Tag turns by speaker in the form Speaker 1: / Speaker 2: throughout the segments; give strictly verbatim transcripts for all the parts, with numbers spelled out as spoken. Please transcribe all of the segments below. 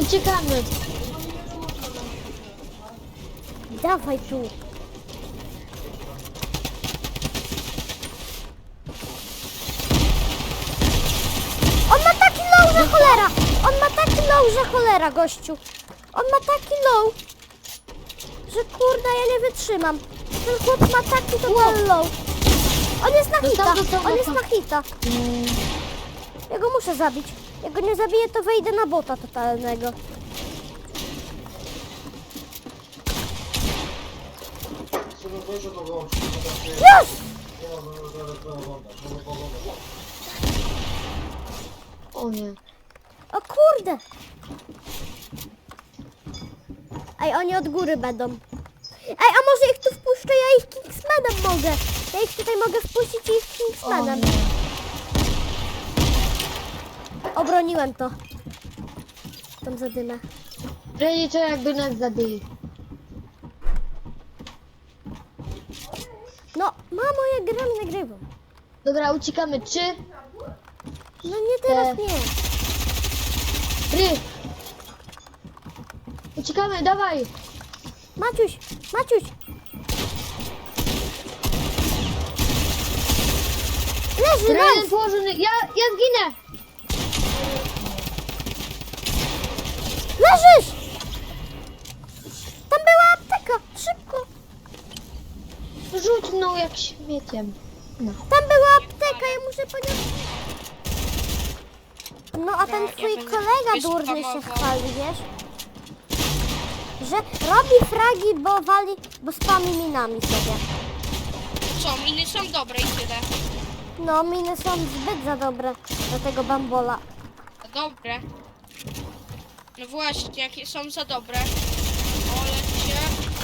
Speaker 1: Uciekamy.
Speaker 2: Dawaj tu. On ma taki low, że cholera. On ma taki low, że cholera, gościu. On ma taki low, że kurde, ja nie wytrzymam. Ten chłop ma taki total low. On jest na hita,
Speaker 1: Dostał, dostał,
Speaker 2: on jest
Speaker 1: dostał.
Speaker 2: na hita. Ja go muszę zabić. Jak go nie zabiję, to wejdę na bota totalnego. Już!
Speaker 1: O nie.
Speaker 2: O kurde! Ej, oni od góry będą. Ej, a może ich tu wpuszczę, ja ich Kingsmanem mogę. Ja ich tutaj mogę wpuścić i ich Kingsmanem. Obroniłem to. Tam zadymę.
Speaker 1: Będzie to jakby nas zabił.
Speaker 2: No, mamo, ja gram, nagrywam.
Speaker 1: Dobra, uciekamy. Trzy.
Speaker 2: No nie teraz, nie.
Speaker 1: Ry. Uciekamy, dawaj.
Speaker 2: Maciuś, Maciuś. Leży,
Speaker 1: Jeden
Speaker 2: nice.
Speaker 1: położony. Ja, ja zginę.
Speaker 2: Leżysz! Tam była apteka, szybko.
Speaker 1: Rzuć mną jak śmieciem. No.
Speaker 2: Tam była apteka, ja muszę po nią... No a ten
Speaker 3: ja
Speaker 2: twój
Speaker 3: będę
Speaker 2: kolega durny się
Speaker 3: wyspamował.
Speaker 2: chwali, wiesz? Że robi fragi, bo wali, bo spami minami sobie.
Speaker 3: Co, miny są dobre i tyle.
Speaker 2: No, miny są zbyt za dobre do tego bambola.
Speaker 3: Dobre. No właśnie, jakie są za dobre. O, lecie.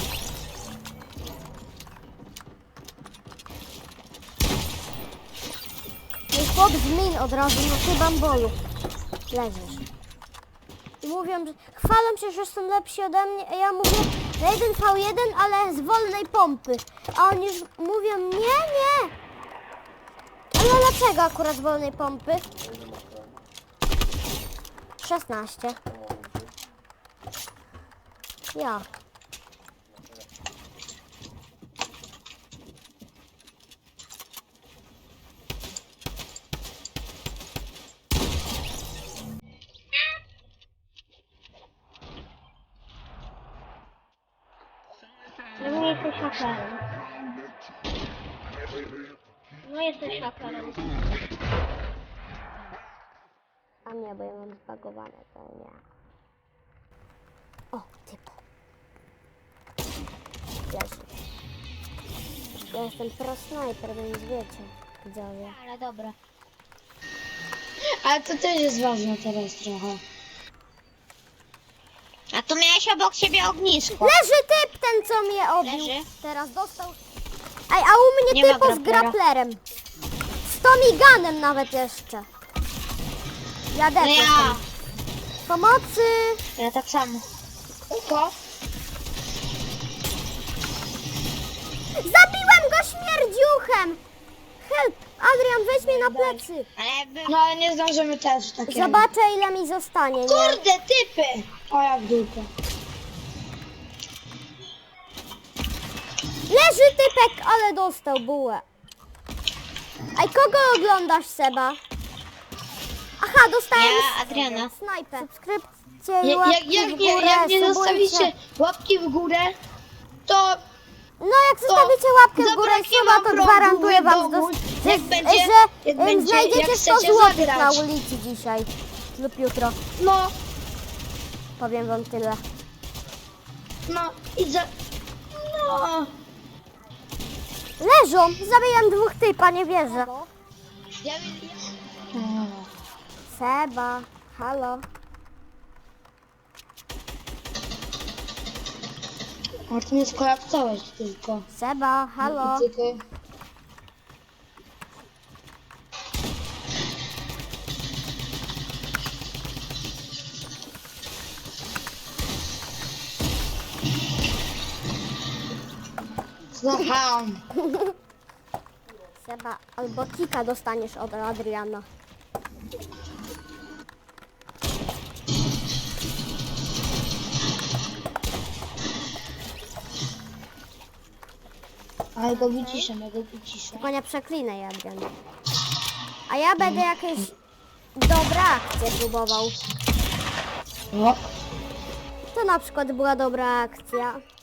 Speaker 2: I chłop z min od razu, no ty bambolu. Leżysz. I mówią, że chwalą się, że są lepsi ode mnie, a ja mówię na jeden V jeden, ale z wolnej pompy. A oni już mówią, nie, nie. Ale dlaczego akurat z wolnej pompy? szesnaście. Ja.
Speaker 4: No jesteś hakerem. No jesteś hakerem.
Speaker 2: A nie, bo ja mam zbagowane, to nie. O, typu. Leży. Ja jestem pro snajper, więc wiecie, widzowie.
Speaker 4: Ale dobra.
Speaker 1: Ale to też jest ważne teraz trochę.
Speaker 4: A tu miałeś obok siebie ognisko.
Speaker 2: Leży typ ten, co mnie obił.
Speaker 4: Leży.
Speaker 2: Teraz dostał. Ej, a u mnie
Speaker 4: Nie ma
Speaker 2: typo z
Speaker 4: grapplera.
Speaker 2: grapplerem. Z Tomiganem nawet jeszcze. Jadę
Speaker 4: No ja.
Speaker 2: Pomocy!
Speaker 4: Ja tak samo.
Speaker 1: Uko.
Speaker 2: Zabiłem go śmierdziuchem! Help! Adrian, weź mnie na plecy.
Speaker 4: Ale by...
Speaker 1: No ale nie zdążymy też takiego.
Speaker 2: Zobaczę, ile mi zostanie, nie?
Speaker 1: Kurde, typy! O jak dupę.
Speaker 2: Leży typek, ale dostał bułę. Ej, kogo oglądasz, Seba? Aha, dostałem
Speaker 4: Ja, Adriana.
Speaker 2: snajper. Subskrypcje i
Speaker 1: Je,
Speaker 2: łapki
Speaker 1: jak, jak,
Speaker 2: w
Speaker 1: nie,
Speaker 2: górę,
Speaker 1: jak nie
Speaker 2: subujcie.
Speaker 1: zostawicie łapki w górę, to
Speaker 2: No jak zostawicie łapkę w górę i
Speaker 1: zabraknie
Speaker 2: suba,
Speaker 1: wam
Speaker 2: to
Speaker 1: prądu
Speaker 2: gwarantuję
Speaker 1: w
Speaker 2: wam,
Speaker 1: domu,
Speaker 2: że,
Speaker 1: jak
Speaker 2: że,
Speaker 1: będzie-
Speaker 2: że
Speaker 1: jak
Speaker 2: em,
Speaker 1: będzie-
Speaker 2: znajdziecie
Speaker 1: jak
Speaker 2: sto
Speaker 1: chcecie
Speaker 2: złotych
Speaker 1: zagrać.
Speaker 2: na ulicy dzisiaj lub jutro.
Speaker 1: no,
Speaker 2: Powiem wam tyle.
Speaker 1: no i za... No.
Speaker 2: Leżą! Zabiłem dwóch typa, nie wierzę.
Speaker 1: Ja, ja...
Speaker 2: Seba, halo.
Speaker 1: A ty mnie skolapsowałeś tylko.
Speaker 2: Seba, halo.
Speaker 1: Tylko... Słucham.
Speaker 2: Seba, albo kika dostaniesz od Adriana.
Speaker 1: Ale go wyciszę, ja go wyciszę.
Speaker 2: Tylko nie przeklinaj, Adrian. A ja będę jakieś dobre akcje próbował.
Speaker 1: O,
Speaker 2: To na przykład była dobra akcja.